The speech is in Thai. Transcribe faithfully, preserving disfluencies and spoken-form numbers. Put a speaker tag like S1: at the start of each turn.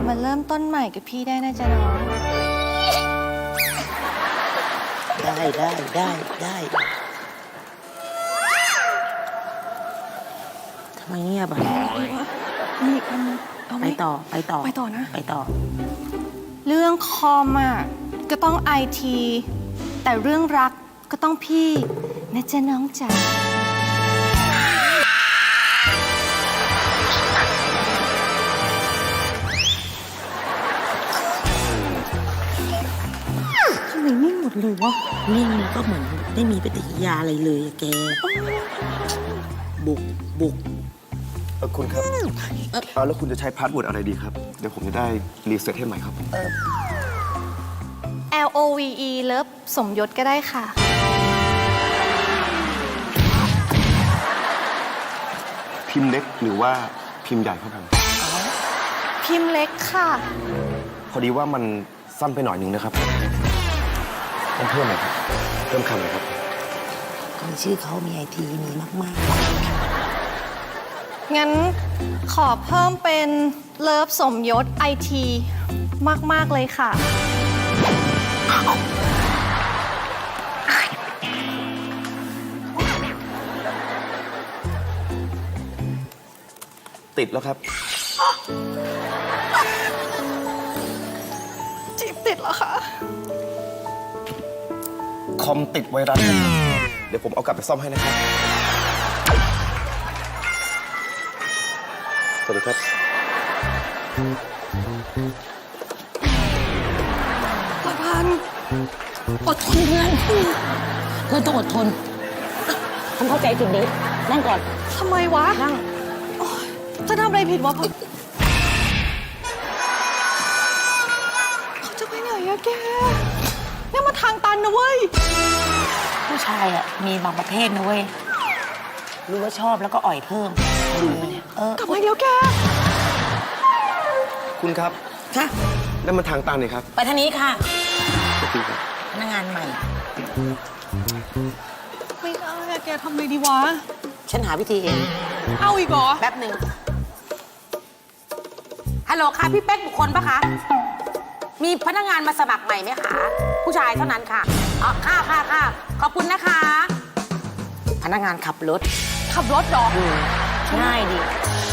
S1: มาเริ่มต้นใหม่กับพี่ได้นะจ๊ะน้อง
S2: ได้ได้ได้ได้ทำไมเงียบอ่ะ
S1: นี่มันเอาไหม
S2: ไปต่อไปต่อ
S1: ไปต่อนะ
S2: ไปต่อ
S1: เรื่องคอมอ่ะก็ต้องไอที แต่เรื่องรักก็ต้องพี่นะจ๊ะน้องจ๋าทำไมนิ่งหมดเลยวะ
S2: นิ่งก็เหมือนไม่มีปฏิกิริยาอะไรเลยอะแก บุกบุก
S3: เออคุณครับเอาแล้วคุณจะใช้พาสเวิร์ดอะไรดีครับ เดี๋ยวผมจะได้รีเซ็ตให้ใหม่ครับ
S1: L O V E เลิฟสมยศก็ได้ค่ะ
S3: พิมพ์เล็กหรือว่าพิมพ์ใหญ่ครับผม
S1: พิมพ์เล็กค่ะ
S3: พอดีว่ามันสั้นไปหน่อยนึงนะครับต้องเพิ่มหน่อยครับเพิ่มคำหน่อยครับ
S2: คนชื่อเขามีไอทีมีมาก
S1: งั้นขอเพิ่มเป็นเลิฟสมยศไอทีมาก ๆ เลยค่ะ
S3: ติดแล้วครับ
S1: จีบติดแล้วค่ะ
S3: คอมติดไวรัสครับเดี๋ยวผมเอากลับไปซ่อมให้นะครับ สวัสดีครับ
S1: ประพันธ์
S2: ๆ อดทนเพื่อนเพื่อนต้องอดทนผมเข้าใจจุดนี้นั่งก่อน
S1: ทำไมวะ
S2: นั่ง
S1: โอ๊ยจะทำอะไรผิดวะพันเขาจะไปไหนอะแกเนี่ยมาทางตันนะเว้ย
S2: ผู้ชายอ่ะมีบางประเภทนะเว้ยรู้ว่าชอบแล้วก็อ่อยเพิ่มเออก
S1: ลับมาเดี๋ยวแก
S3: คุณครับ
S2: ค่ะ
S3: นั่นมันทางตันนี่ครับ
S2: ไปทางนี้ค่ะ
S3: ขอบคุณครับ
S2: พนักงานใหม่
S1: ไม่ได้อะแกทำไงดีวะ
S2: ฉันหาวิธีเอง
S1: เอาอีกเหรอ
S2: แป๊บหนึ่งฮัลโหลค่ะพี่เป๊กบุคคลปะคะ มีพนักงานมาสมัครใหม่ไหมคะ ผู้ชายเท่านั้นค่ะอ๋อค่ะค่ะค่ะขอบคุณนะคะ พนักงานขับรถ
S1: ขับรถเหรอ
S2: ง่ายดี